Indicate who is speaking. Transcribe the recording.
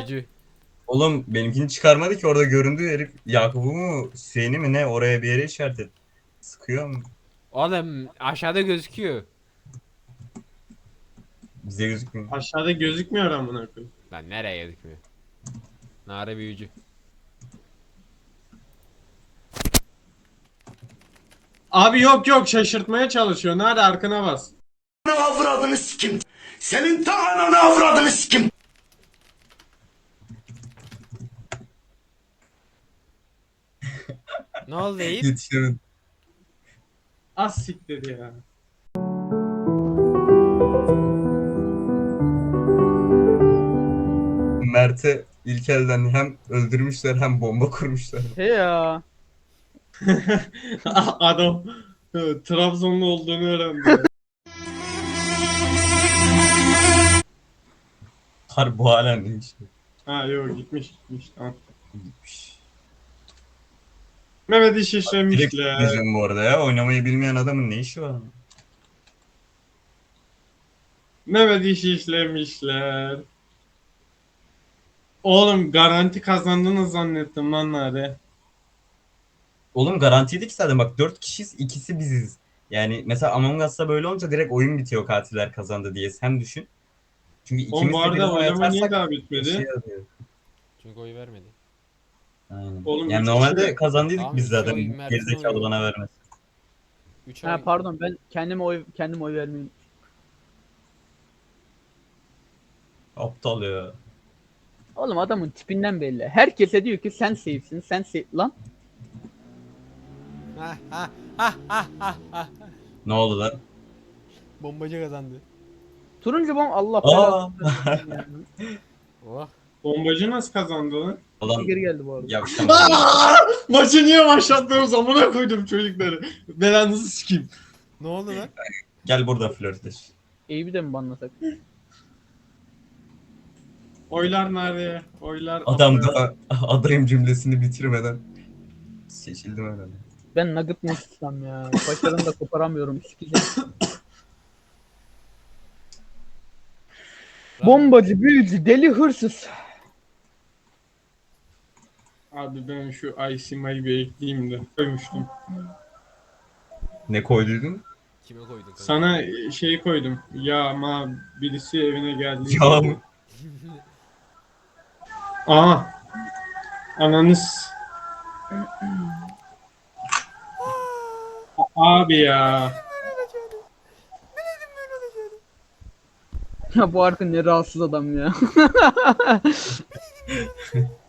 Speaker 1: büyücü.
Speaker 2: Oğlum benimkini çıkarmadı ki, orada göründü herif. Yakup'u mu Hüseyin'i mi ne, oraya bir yere işaret et. Sıkıyor mu?
Speaker 1: Oğlum aşağıda gözüküyor.
Speaker 2: Bize gözükmüyor.
Speaker 3: Aşağıda gözükmüyor amına koyayım.
Speaker 1: Lan nereye gözükmüyor? Nare büyücü.
Speaker 3: Abi yok yok, şaşırtmaya çalışıyor. Nerede, arkana bas.
Speaker 4: Avradını sikim. Senin ta ananı avradını sikim.
Speaker 1: Ne oldu Yiğit?
Speaker 2: Yetişemedim.
Speaker 3: Az siktir ya.
Speaker 2: Mert'e ilk elden hem öldürmüşler hem bomba kurmuşlar.
Speaker 5: He ya.
Speaker 3: Adam Trabzonlu olduğunu öğrendi ya.
Speaker 2: Harbi bu halen ne işi?
Speaker 3: Ha yok, gitmiş tamam.
Speaker 2: Gitmiş.
Speaker 3: Mehmet iş
Speaker 2: Direkt
Speaker 3: işlemişler.
Speaker 2: diyeceğim bu arada ya. Oynamayı bilmeyen adamın ne işi var?
Speaker 3: Mehmet iş işlemişler. Oğlum garanti kazandınız zannettim lan nerede?
Speaker 2: Oğlum garantiydi ki zaten, bak 4 kişiyiz, ikisi biziz. Yani mesela Among Us'ta böyle olunca direkt oyun bitiyor katiller kazandı diye, sen düşün. Çünkü
Speaker 3: Oğlum
Speaker 2: ikimiz
Speaker 3: bu
Speaker 2: de
Speaker 3: arada
Speaker 2: birden
Speaker 3: oylama niye
Speaker 2: yatarsak
Speaker 3: daha
Speaker 2: bir
Speaker 3: bitmedi?
Speaker 2: şey oluyor.
Speaker 1: Çünkü oy vermedi.
Speaker 2: Aynen.
Speaker 3: Oğlum
Speaker 2: Yani
Speaker 3: üç
Speaker 2: normalde
Speaker 3: kişi de-
Speaker 2: kazandıydık
Speaker 1: Tamam,
Speaker 2: biz
Speaker 1: üç
Speaker 2: zaten,
Speaker 1: oy Mert'in
Speaker 2: gerizekalı
Speaker 1: oyu.
Speaker 2: bana vermez.
Speaker 1: 3
Speaker 5: Ha
Speaker 1: oy.
Speaker 5: pardon, ben kendim oy vermeyeyim.
Speaker 2: Aptal ya.
Speaker 5: Oğlum adamın tipinden belli. Herkese diyor ki sen safe'sin, sen safe lan.
Speaker 2: Ne oldu lan?
Speaker 1: Bombacı kazandı.
Speaker 5: Turuncu bomb Allah
Speaker 2: Aa!
Speaker 5: belasını versin ya.
Speaker 1: Oh.
Speaker 3: Bombacı nasıl kazandı lan?
Speaker 2: Ulan
Speaker 5: Geri geldi bu arada.
Speaker 2: yavşam.
Speaker 3: Maçı niye başlattığım zamana koydum çocukları. Belanızı sikeyim.
Speaker 1: Ne oldu lan?
Speaker 2: Gel burada flörtleş.
Speaker 5: Eyüp'ü de mi banlasak?
Speaker 3: Oylar nerede? Oylar...
Speaker 2: Adam da adayım cümlesini bitirmeden seçildim herhalde.
Speaker 5: Ben nugget mı tutsam ya? Başlarını da koparamıyorum. Sikeceğim. Bombacı, büyücü, deli, hırsız.
Speaker 3: Abi ben şu Aysima'yı bir ekleyeyim de. Koymuştum.
Speaker 2: Ne koyduydun?
Speaker 1: Kime koydun kanka?
Speaker 3: Sana şey koydum. Ya ama birisi evine geldi.
Speaker 2: Ya mı?
Speaker 3: Aa. Ananız. Abi ya.
Speaker 5: Ya bu arka ne rahatsız adam ya.